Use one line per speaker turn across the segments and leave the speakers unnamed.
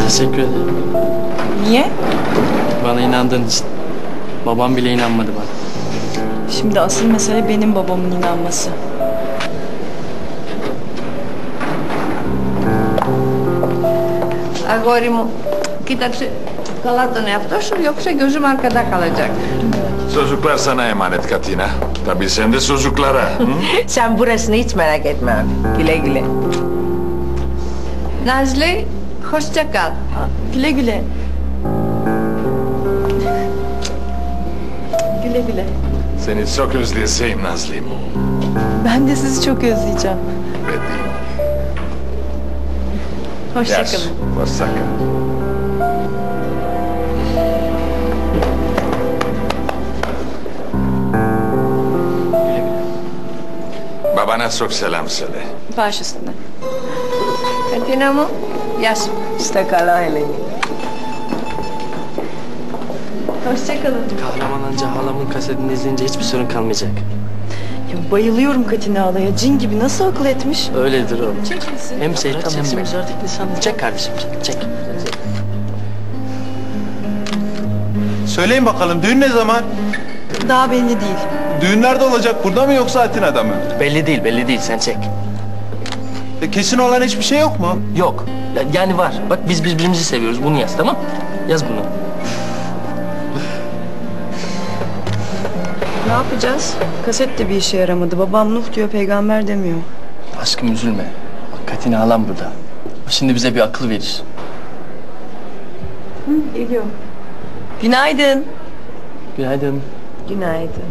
Teşekkür ederim.
Niye?
Bana inandığın için. Babam bile inanmadı bana.
Şimdi asıl mesele benim babamın inanması.
Αγόρι μου, κοίταξε καλά τον εαυτό σου, yoksa gözüm arkada kalacak.
Çocuklar sana emanet Katina. Tabii sen de çocuklara.
Sen burasını hiç merak etme abi. Güle güle.
Nazlı, hoşça kal.
Güle güle. Güle güle.
Seni çok özleyeceğim Nazlı'm.
Ben de sizi çok özleyeceğim.
Bedim.
Hoşçakalın.
Hoşça kal. Babana çok selam söyle.
Baş üstüne.
Katina μου, γεια σου.
İşte kala Eleni.
Hoşçakalın.
Kahraman anca halamın kasetini izleyince hiçbir sorun kalmayacak.
Ya bayılıyorum Katina Ağla'ya. Cin gibi nasıl akıl etmiş?
Öyledir o. Hem seyret hem egzotik lisanlı. Çek kardeşim çek.
Söyleyin bakalım düğün ne zaman?
Daha belli değil.
Düğün nerede olacak? Burada mı yoksa Atina'da mı?
Belli değil sen çek.
Kesin olan hiçbir şey yok mu?
Yok. Yani var. Bak biz birbirimizi seviyoruz. Bunu yaz tamam? Yaz bunu.
Ne yapacağız? Kaset de bir işe yaramadı. Babam Nuh diyor, peygamber demiyor.
Aşkım üzülme. Bak Katina halam burada. O şimdi bize bir akıl verir.
Geliyor. Günaydın.
Günaydın.
Günaydın.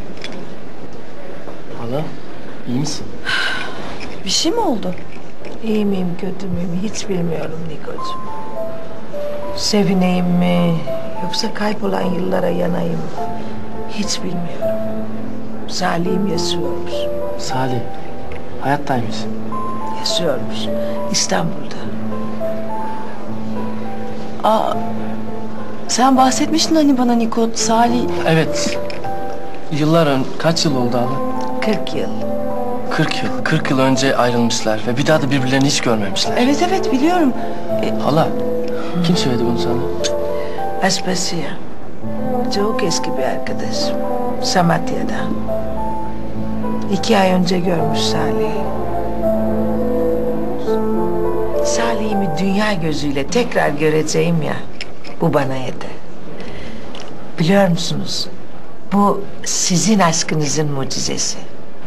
Hala iyi misin?
Bir şey mi oldu?
İyi miyim kötü müyüm hiç bilmiyorum Nikocuğum. Sevineyim mi yoksa kaybolan yıllara yanayım mı? Hiç bilmiyorum. Salih'im yaşıyormuş.
Salih. Hayattaymış.
Yaşıyormuş. İstanbul'da.
Aa, sen bahsetmiştin hani bana Niko, Salih.
Evet. Kaç yıl oldu hala?
40 yıl.
40 yıl. 40 yıl önce ayrılmışlar ve bir daha da birbirlerini hiç görmemişler.
Evet biliyorum.
Hala, kim söyledi bunu sana?
Aspasia. Çok eski bir arkadaşım. Samatya'dan. 2 ay önce görmüş Salih'i. Salih'imi dünya gözüyle tekrar göreceğim ya. Bu bana yeter. Biliyor musunuz? Bu sizin aşkınızın mucizesi.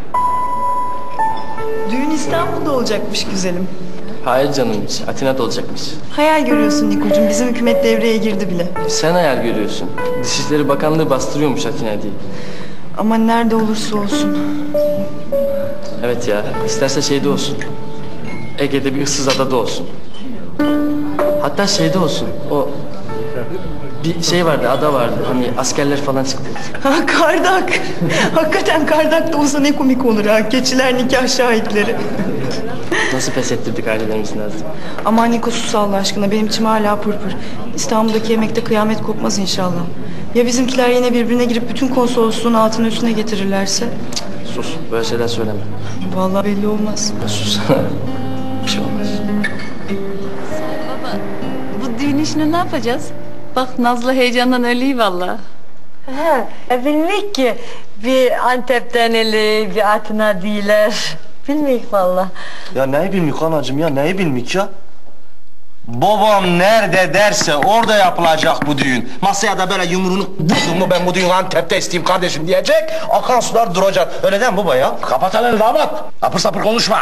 Düğün İstanbul'da olacakmış güzelim.
Hayır canım hiç. Atina'da olacakmış.
Hayal görüyorsun Nikocuğum. Bizim hükümet devreye girdi bile.
Sen hayal görüyorsun. Dışişleri Bakanlığı bastırıyormuş Atina diye.
Ama nerede olursa olsun.
Evet ya. İsterse şeyde olsun. Ege'de bir ıssız adada olsun. Hatta şeyde olsun. O bir şey vardı, ada vardı. Hani askerler falan çıktı.
Ha kardak. Hakikaten kardak da olsa ne komik olur ha. Keçiler nikah şahitleri.
Nasıl pes ettirdik ailelerimizin Nazlı?
Aman Niko sus Allah aşkına. Benim içim hala pırpır. İstanbul'daki yemekte kıyamet kopmaz inşallah. Ya bizimkiler yine birbirine girip bütün konsolosluğun altını üstüne getirirlerse?
Sus. Böyle şeyler söyleme.
Vallahi belli olmaz.
Sus. Bir şey olmaz.
Baba, bu düğün işini ne yapacağız? Bak Nazlı heyecandan ölüyor vallahi.
Bilmek ki bir Antep'ten eli bir Atina değiller. Bilmek vallahi.
Ya neyi bilmik anacığım ya neyi bilmik ya? Babam nerede derse orada yapılacak bu düğün. Masaya da böyle yumruğunu vurdun mu ben bu düğünü Antep'te isteyeyim kardeşim diyecek. Akan sular duracak. Öyle değil mi baba ya?
Kapat elini damat. Apır sapır konuşma.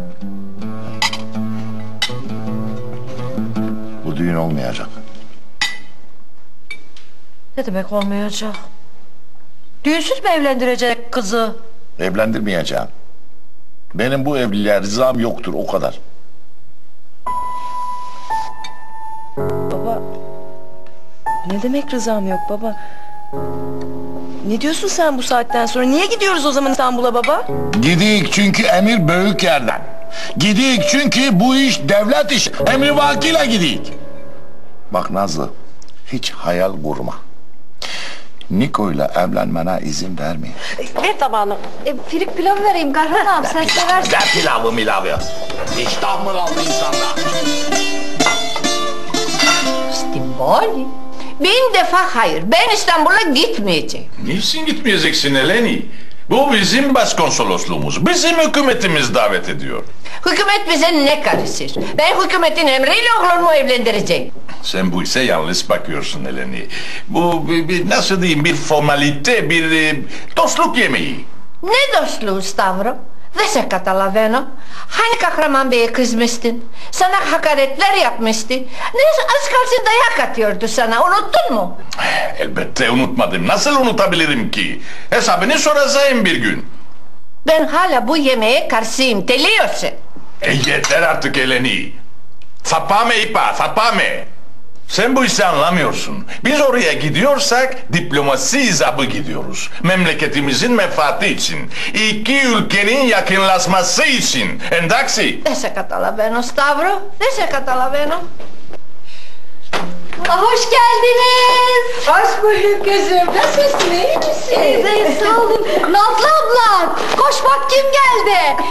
Bu düğün olmayacak.
Ne demek olmayacak? Düğünsüz mü evlendirecek kızı?
Evlendirmeyeceğim. Benim bu evliliğe rızam yoktur o kadar.
Baba, ne demek rızam yok baba? Ne diyorsun sen bu saatten sonra? Niye gidiyoruz o zaman İstanbul'a baba?
Gidik çünkü emir büyük yerden. Gidik çünkü bu iş devlet işi. Emri vakiyle gidik. Bak Nazlı, hiç hayal kurma. Niko'yla evlenmene izin vermeyin.
Ver tabağını.
Firik pilav vereyim Kahraman abi sen seversin.
Ne pilavı milavı? İştah mı kaldı insanda?
Hayır. Bin defa hayır. Ben İstanbul'a gitmeyeceğim.
Niçin gitmeyeceksin Eleni? Bu bizim başkonsolosluğumuz. Bizim hükümetimiz davet ediyor.
Hükümet bize ne karışır? Ben hükümetin emriyle oğlumu evlendireceğim.
Sen bu işe yanlış bakıyorsun Eleni. Bu nasıl diyeyim bir formalite, bir dostluk yemeği.
Ne dostluğu Stavro? Dese Catalaveno. Hani Kahraman Bey'e kızmıştın? Sana hakaretler yapmıştı. Ne az kalsın dayak atıyordu sana. Unuttun mu?
Elbette unutmadım. Nasıl unutabilirim ki? Hesabını soracağım bir gün.
Ben hala bu yemeğe karşıyım. Biliyorsun.
Yeter artık Eleni. Sapame ipa, sapame. Sen bu işi anlamıyorsun. Biz oraya gidiyorsak diplomasi icabı gidiyoruz. Memleketimizin menfaati için. İki ülkenin yakınlaşması için. Endaksi.
Dese Catalaveno Stavro. Dese Catalaveno.
Hoş geldiniz.
Hoş bulduk kızım. Nasılsın? İyi misin?
İyiyiz, sağ olun. Nazlı abla, koş bak kim geldi.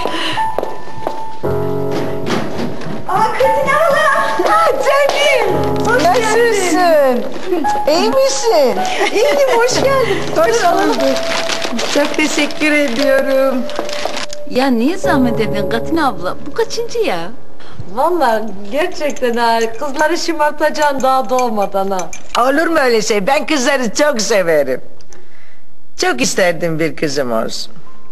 Kadın hala. Canım. Nasılsın? İyi misin? İyiyim, hoş geldin. Hoş bulduk. Çok teşekkür ediyorum.
Ya niye zahmet edin Katin abla? Bu kaçıncı ya?
Vallahi gerçekten ha, kızları şımartacaksın daha doğmadan ha.
Olur mu öyle şey? Ben kızları çok severim. Çok isterdim bir kızım olsun.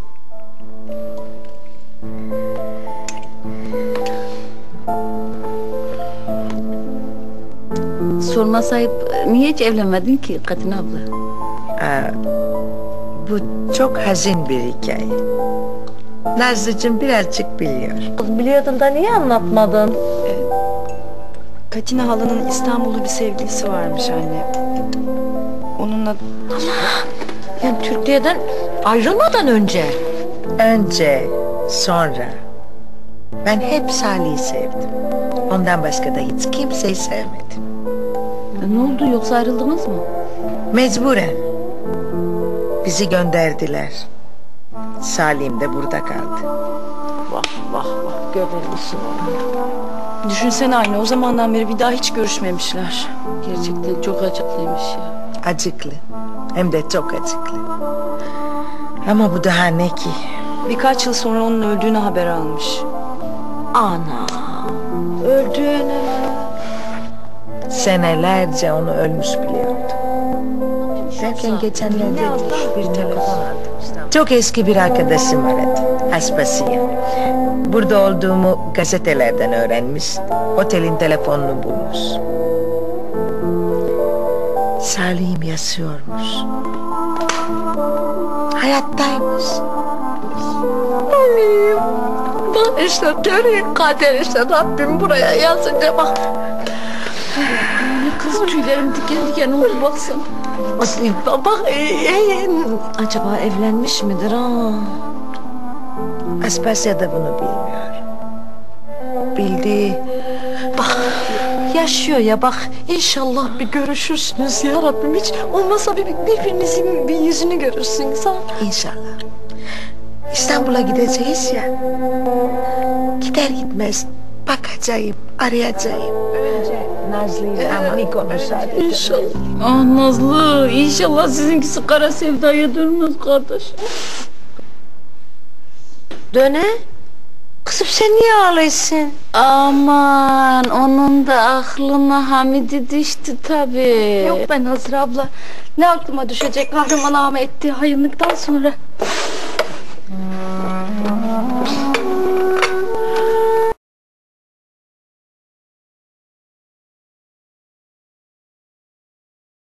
Sorma sahip, niye hiç evlenmedin ki Katin abla?
Bu çok hazin bir hikaye. Nazlıcığım birazcık biliyor.
Biliyordun da niye anlatmadın?
Katina halanın İstanbul'da bir sevgilisi varmış anne. Onunla
Yani Türkiye'den ayrılmadan önce.
Önce, sonra. Ben hep Salih'i sevdim. Ondan başka da hiç kimseyi sevmedim.
Ne oldu, yoksa ayrıldınız mı?
Mecburen. Bizi gönderdiler. Salim de burada kaldı.
Vah vah vah, göbelmişsin onu.
düşünsene anne, o zamandan beri bir daha hiç görüşmemişler.
Gerçekten çok acıklıymış ya.
Acıklı. Hem de çok acıklı. Ama bu daha ne ki?
Birkaç yıl sonra onun öldüğünü haber almış.
Ana, öldüğüne.
Senelerce onu ölmüş biliyordu. Derken geçenlerde bir telefon aldım. Çok eski bir arkadaşım aradı. Aspasiye. Burada olduğumu gazetelerden öğrenmiş. Otelin telefonunu bulmuş. Salih'im yaşıyormuş. Hayattaymış.
Bak işte görün kader işte Rabbim buraya yazınca bak.
Kız tüylerim diken diken oldu baksana.
Bak acaba evlenmiş midir ha?
Aspasya da bunu bilmiyor. Bildi.
Bak yaşıyor ya bak inşallah bir görüşürsünüz ya Rabbim hiç olmasa birbirinizin bir yüzünü görürsünüz ha.
İnşallah. İstanbul'a gideceğiz ya. Gider gitmez bakacağım, arayacağım. Önce Nazlı'yı ama konuşalım.
İnşallah.
Ah Nazlı, inşallah sizinkisi kara sevdaya dönmez kardeş.
Döne. Kızım sen niye ağlıyorsun?
Aman, onun da aklına Hamidi düştü tabii.
Yok ben Nazır abla. Ne aklıma düşecek kahraman ağama ettiği hayırlıktan sonra.